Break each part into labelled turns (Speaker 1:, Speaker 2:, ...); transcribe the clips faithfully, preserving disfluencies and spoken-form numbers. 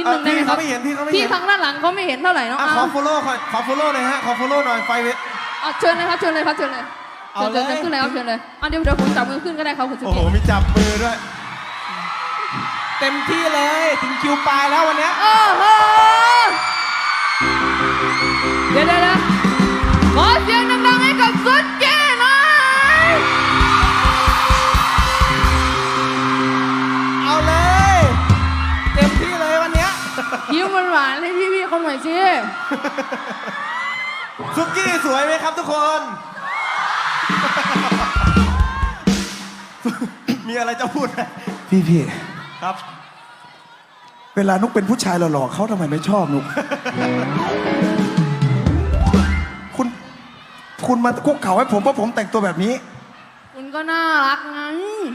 Speaker 1: หนึ่งได้ไหมครับ
Speaker 2: พี่เขาไม่เห็นพี่เขาไม่เห็น
Speaker 1: พี่ทางด้านหลังเขาไม่เห็นเท่าไหร่เนาะ
Speaker 2: อ่ะขอ follow ขอขอ follow หน่อยฮะขอ follow หน่อยไฟเว
Speaker 1: อ่ะเชิญเลยครับเชิญเลยครับเชิญเลย
Speaker 2: เอา
Speaker 1: เชิญ
Speaker 2: เลย
Speaker 1: เชิญขึ้นเลยครับเชิญเลยอ่ะเดี๋ยวเดี๋ยวผมจับมือขึ้นก็ได้ครับคุณสุ
Speaker 2: โอ้
Speaker 1: กี้
Speaker 2: โหมีจับมือด้วย
Speaker 3: เต็มที่เลยถึงคิวปลายแล้ววันเนี้ย
Speaker 1: โอ้โหเดี๋ยวเดี๋ยวเดี๋ยวขอเสียงดังๆให้กับสุกี้หน่อย
Speaker 3: เอาเลย เต็มที่เลยวันเนี้ย
Speaker 1: ยิ้มหวานๆให้พี่ๆเขาหน่อยสิ
Speaker 2: ซุกี้สวยไหมครับทุกคน มีอะไรจะพูดไหม
Speaker 4: พี่พี่
Speaker 2: ครับ
Speaker 4: เวลานุกเป็นผู้ชายหล่อๆเขาทำไมไม่ชอบนุก คุณคุณมาคุกเข่าให้ผมเพราะผมแต่งตัวแบบนี้
Speaker 1: คุณก็น่ารักไง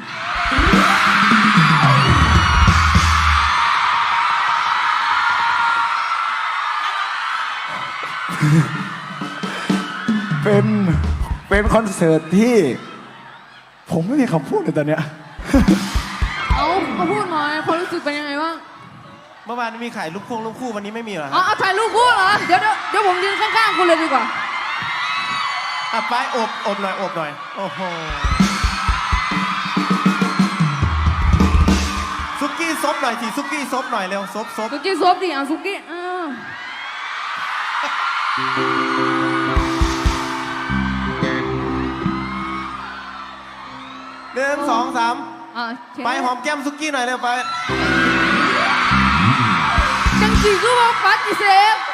Speaker 4: เป็นเป็นคอนเสิร์ตที่ ผมไม่มีคำพูดเลยตอนเนี้ย
Speaker 1: เอามาพูดหน่อยความรู้สึกเป็นยังไงบ้าง
Speaker 2: เมื่อวานมีขายลูกคู่ลูกคู่วันนี้ไม่มีเหรอ
Speaker 1: อ๋อ
Speaker 2: ฮะ
Speaker 1: เอาถ่ายรูปคู่เหรอ เดี๋ยวเดี๋ยวเดี๋ยวผมยืนข้างๆคุณเลยดีกว่า
Speaker 2: อ่ะไปอบอบหน่อยอบหน่อยโอ้โหซุกี้ซบหน่อยสิซุกี้ซบหน่อยเร็วซบซบ
Speaker 1: สุกี้ซบดิเอาสุกี้อ่า
Speaker 2: หนึ่งสองสาม
Speaker 1: อ่าเชิญ
Speaker 2: ไปหอมแก้มซุกี้หน่อยเร็วไป
Speaker 1: จังสีคือว่าปัดอีเซฟ